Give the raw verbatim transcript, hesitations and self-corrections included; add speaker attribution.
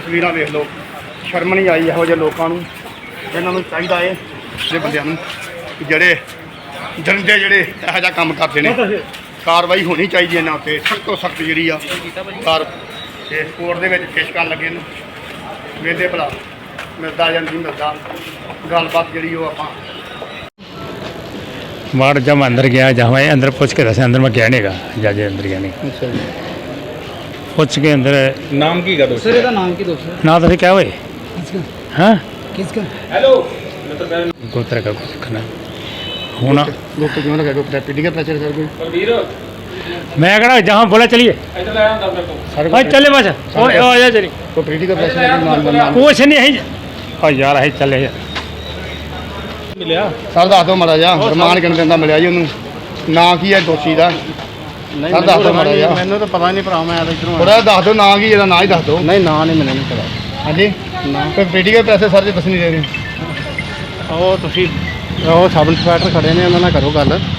Speaker 1: ਤਸਵੀਰਾਂ ਵੇਖ ਲਓ, ਸ਼ਰਮ ਨਹੀਂ ਆਈ ਇਹੋ ਜਿਹੇ ਲੋਕਾਂ ਨੂੰ। ਇਹਨਾਂ ਨੂੰ ਚਾਹੀਦਾ ਹੈ ਜਿਹੜੇ ਬੰਦਿਆਂ ਨੂੰ ਜਿਹੜੇ ਦਰਿੰਦੇ ਜਿਹੜੇ ਇਹੋ ਜਿਹਾ ਕੰਮ ਕਰਦੇ ਨੇ, ਕਾਰਵਾਈ ਹੋਣੀ ਚਾਹੀਦੀ ਇਹਨਾਂ ਉੱਤੇ ਸਖਤ ਤੋਂ ਸਖਤ ਜਿਹੜੀ ਆ ਕਾਰ ਤੇ ਕੋਰਟ ਦੇ ਵਿੱਚ ਪੇਸ਼ ਕਰਨ ਲੱਗੇ ਨੂੰ ਵੇਖਦੇ ਭਲਾ ਮਿਲਦਾ ਜਾਂ ਨਹੀਂ ਮਿਲਦਾ ਗੱਲਬਾਤ ਜਿਹੜੀ ਉਹ ਆਪਾਂ
Speaker 2: बाहर जब मैं अंदर गया जहाँ मैं अंदर पूछ के दस अंदर मैं गया नहीं गा जाजे अंदर गया नहीं
Speaker 1: ਅੱਛਾ
Speaker 2: पूछ के अंदर
Speaker 3: नाम की का दोस्त
Speaker 4: सर ਇਹਦਾ ਨਾਮ ਕੀ ਦੋਸਤ
Speaker 2: ना तो क्या हुए
Speaker 4: ਕਿਸਕਾ
Speaker 2: हाँ
Speaker 4: ਕਿਸਕਾ
Speaker 3: हेलो
Speaker 2: गोत्र का कुछ खाना होना
Speaker 1: ਲੋਕ ਕਿਉਂ ਨਾ ਕਹੋ ਪੀਟੀ ਦਾ ਪ੍ਰੈਸ਼ਰ ਕਰ ਕੋਈ
Speaker 3: बलबीर
Speaker 2: मैं कहा जहाँ बोला चलिए
Speaker 3: इधर ले आया मेरे को
Speaker 1: ਸਾਰੇ
Speaker 2: भाई चले बस और आ जा चलिए
Speaker 1: ਕੋਈ ਪੀटी ਦਾ ਪ੍ਰੈਸ਼ਰ ਨਾਮ ਨਾਮ
Speaker 2: कुछ नहीं है और यार है चले यार
Speaker 3: मिलिया
Speaker 1: ਸਰ ਦੱਸ ਦਿਓ ਮਾੜਾ ਜਿਹਾ ਰਮਾਨ ਕਿੰਨੇ ਦਿਨ ਦਾ ਮਿਲਿਆ ਜੀ ਉਹਨੂੰ ਨਾਂ ਕੀ ਹੈ ਦੋਸ਼ੀ ਦਾ
Speaker 4: ਨਹੀਂ
Speaker 1: ਸਰ ਦੱਸ ਦਿਓ ਮਾੜਾ ਜਿਹਾ
Speaker 4: ਮੈਨੂੰ ਤਾਂ ਪਤਾ ਨਹੀਂ ਭਰਾ ਮੈਂ ਤਾਂ ਇਧਰੋਂ
Speaker 1: ਥੋੜਾ ਦੱਸ ਦਿਓ ਨਾਂ ਕੀ ਇਹਦਾ ਨਾਂ ਹੀ ਦੱਸ ਦਿਓ
Speaker 4: ਨਹੀਂ ਨਾਂ ਨਹੀਂ ਮੈਨੂੰ ਨਹੀਂ ਪਤਾ
Speaker 1: ਹਾਂਜੀ ਕੋਈ ਪੀਟੀ ਦੇ ਪੈਸੇ ਸਰ ਜੀ ਦੱਸ ਨਹੀਂ ਦੇ ਰਹੇ
Speaker 4: ਉਹ ਤੁਸੀਂ ਉਹ ਸਬ ਇੰਸਪੈਕਟਰ ਖੜੇ ਨੇ ਉਹਨਾਂ ਨਾਲ ਕਰੋ ਗੱਲ